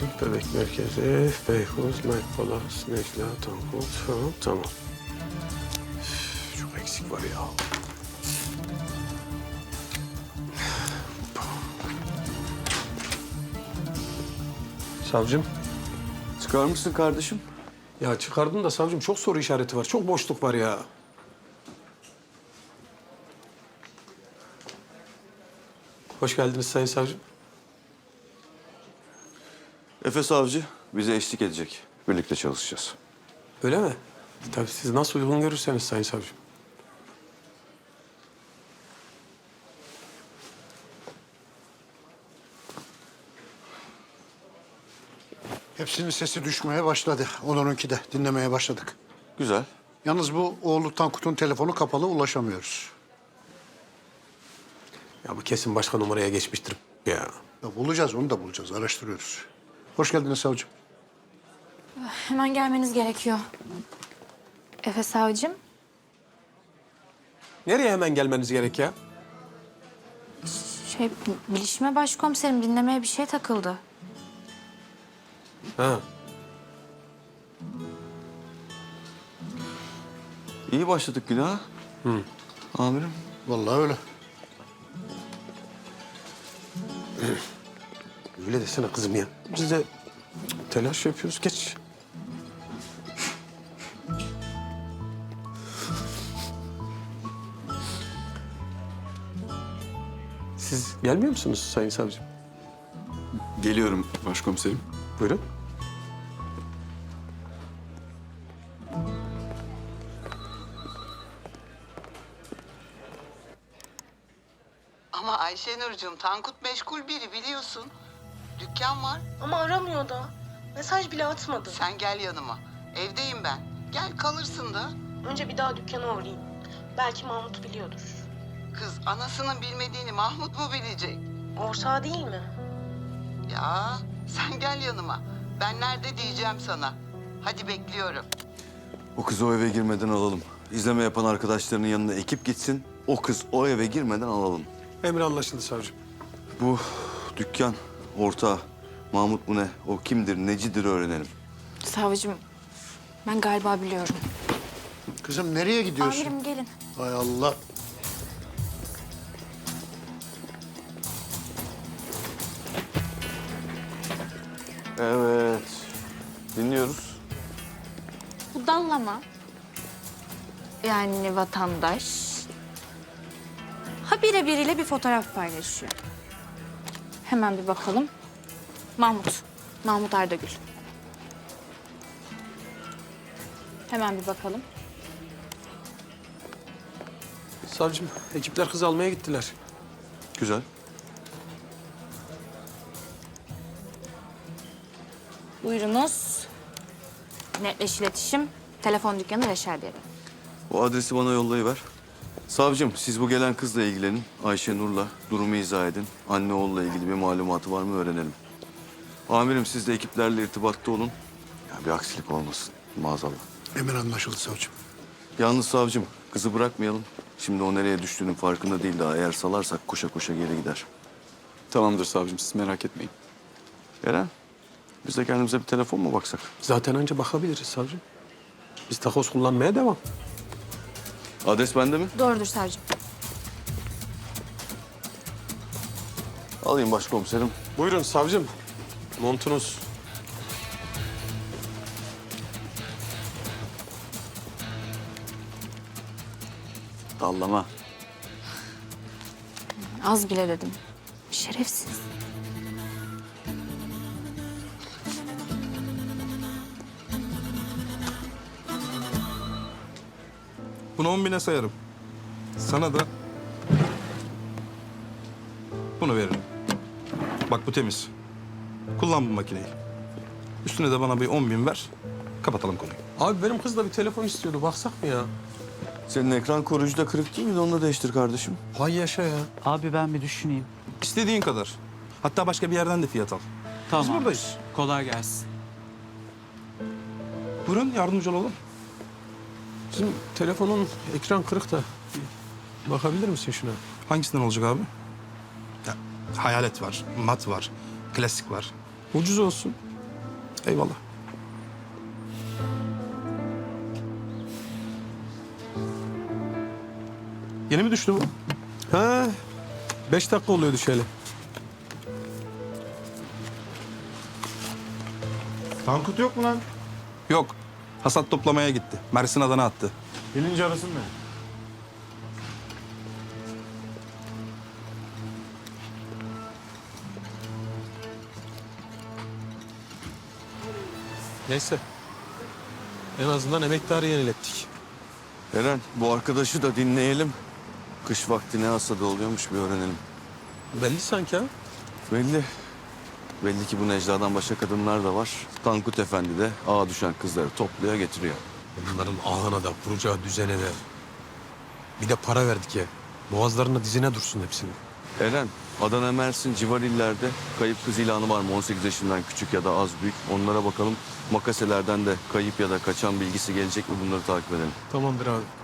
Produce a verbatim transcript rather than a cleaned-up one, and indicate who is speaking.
Speaker 1: Tüp Bebek Merkezi, Beykoz, Medpolas, Necla, Tankut. Tamam, tamam. Üf, çok eksik var ya. Savcım.
Speaker 2: Çıkarmışsın kardeşim.
Speaker 1: Ya çıkardım da savcım çok soru işareti var. Çok boşluk var ya. Hoş geldiniz Sayın Savcım.
Speaker 2: Efe Savcı bize eşlik edecek. Birlikte çalışacağız.
Speaker 1: Öyle mi? Tabii siz nasıl uygun görürseniz Sayın Savcım.
Speaker 3: Hepsinin sesi düşmeye başladı. Onunki de dinlemeye başladık.
Speaker 2: Güzel.
Speaker 3: Yalnız bu oğlu Tankut'un telefonu kapalı, ulaşamıyoruz.
Speaker 1: Ya bu kesin başka numaraya geçmiştir ya.
Speaker 3: Ya bulacağız, onu da bulacağız. Araştırıyoruz. Hoş geldiniz savcım.
Speaker 4: Hemen gelmeniz gerekiyor. Efe savcım.
Speaker 1: Nereye hemen gelmeniz gerek ya?
Speaker 4: Şey, bilişime başkomiserim dinlemeye bir şey takıldı.
Speaker 1: Ha.
Speaker 2: İyi başladık güne. Hı. Amirim.
Speaker 3: Vallahi öyle.
Speaker 1: Öyle desene kızım ya. Biz de telaş yapıyoruz. Geç. Siz gelmiyor musunuz Sayın Savcım?
Speaker 2: Geliyorum başkomiserim.
Speaker 1: Buyurun.
Speaker 5: Ama Ayşenurcuğum, Tankut meşgul biri biliyorsun. Dükkan var.
Speaker 6: Ama aramıyor da. Mesaj bile atmadı.
Speaker 5: Sen gel yanıma. Evdeyim ben. Gel kalırsın da.
Speaker 6: Önce bir daha dükkana uğrayayım. Belki Mahmut biliyordur.
Speaker 5: Kız anasının bilmediğini Mahmut mu bilecek?
Speaker 6: Ortağı değil mi?
Speaker 5: Ya sen gel yanıma. Ben nerede diyeceğim sana. Hadi bekliyorum.
Speaker 2: O kızı o eve girmeden alalım. İzleme yapan arkadaşlarının yanına ekip gitsin. O kız o eve girmeden alalım.
Speaker 1: Emir anlaşıldı savcım.
Speaker 2: Bu dükkan ortağı Mahmut mu ne? O kimdir, necidir öğrenelim.
Speaker 4: Savcım, ben galiba biliyorum.
Speaker 3: Kızım nereye gidiyorsun?
Speaker 4: Amirim gelin.
Speaker 3: Hay Allah.
Speaker 2: Evet. Dinliyoruz.
Speaker 4: Bu dallama. Yani vatandaş. Ha birebiriyle bir fotoğraf paylaşıyor. Hemen bir bakalım. Mahmut. Mahmut Ardagül. Hemen bir bakalım.
Speaker 1: Savcım, ekipler kız almaya gittiler.
Speaker 2: Güzel.
Speaker 4: Buyurunuz. Netleş iletişim. Telefon dükkanı Reşadiye'de.
Speaker 2: O adresi bana yollayıver. Savcım, siz bu gelen kızla ilgilenin. Ayşe Nur'la durumu izah edin. Anne oğulla ilgili bir malumatı var mı öğrenelim. Amirim, siz de ekiplerle irtibatta olun. Ya bir aksilik olmasın maazallah.
Speaker 3: Emir anlaşıldı savcım.
Speaker 2: Yalnız savcım, kızı bırakmayalım. Şimdi o nereye düştüğünün farkında değil daha. Eğer salarsak koşa koşa geri gider.
Speaker 7: Tamamdır savcım, siz merak etmeyin.
Speaker 2: Eren, biz de kendimize bir telefon mu baksak?
Speaker 1: Zaten önce bakabiliriz savcım. Biz takoz kullanmaya devam.
Speaker 2: Adres bende mi?
Speaker 4: Doğrudur savcım.
Speaker 2: Alayım başkomiserim.
Speaker 1: Buyurun savcım. Montunuz.
Speaker 2: Dallama.
Speaker 4: Az bile dedim. Şerefsiz.
Speaker 8: Bunu on bine sayarım. Sana da bunu veririm. Bak bu temiz. Kullan bu makineyi. Üstüne de bana bir on bin ver. Kapatalım konuyu.
Speaker 1: Abi benim kız da bir telefon istiyordu. Baksak mı ya?
Speaker 2: Senin ekran koruyucu da kırık değil miydi? Onu da değiştir kardeşim.
Speaker 1: Hay yaşa ya.
Speaker 9: Abi ben bir düşüneyim.
Speaker 8: İstediğin kadar. Hatta başka bir yerden de fiyat al.
Speaker 9: Tamam.
Speaker 8: Biz buradayız.
Speaker 9: Kolay gelsin.
Speaker 8: Buyurun yardımcı olalım.
Speaker 1: Bizim telefonun ekran kırık da. Bir bakabilir misin şuna?
Speaker 8: Hangisinden olacak abi? Ya, hayalet var, mat var, klasik var.
Speaker 1: Ucuz olsun.
Speaker 8: Eyvallah. Yeni mi düştü bu?
Speaker 1: Ha, beş dakika oluyor düşeli.
Speaker 10: Tankut yok mu lan?
Speaker 8: Yok. Hasat toplamaya gitti. Mersin Adana attı.
Speaker 10: Gelince arasın mı?
Speaker 1: Neyse. En azından emektarı yenilettik.
Speaker 2: Eren, bu arkadaşı da dinleyelim. Kış vakti ne hasadı oluyormuş bir öğrenelim.
Speaker 1: Belli sanki ha.
Speaker 2: Belli. Belli ki bu Necla'dan başka kadınlar da var. Tankut Efendi de ağa düşen kızları topluyor getiriyor.
Speaker 1: Bunların ahına da, kuracağı düzene de. Bir de para verdik ya. Boğazlarına dizine dursun hepsini.
Speaker 2: Eren, Adana, Mersin, civar illerde kayıp kız ilanı var mı? on sekiz yaşından küçük ya da az büyük. Onlara bakalım. Makaselerden de kayıp ya da kaçan bilgisi gelecek mi? Bunları takip edelim.
Speaker 1: Tamamdır abi.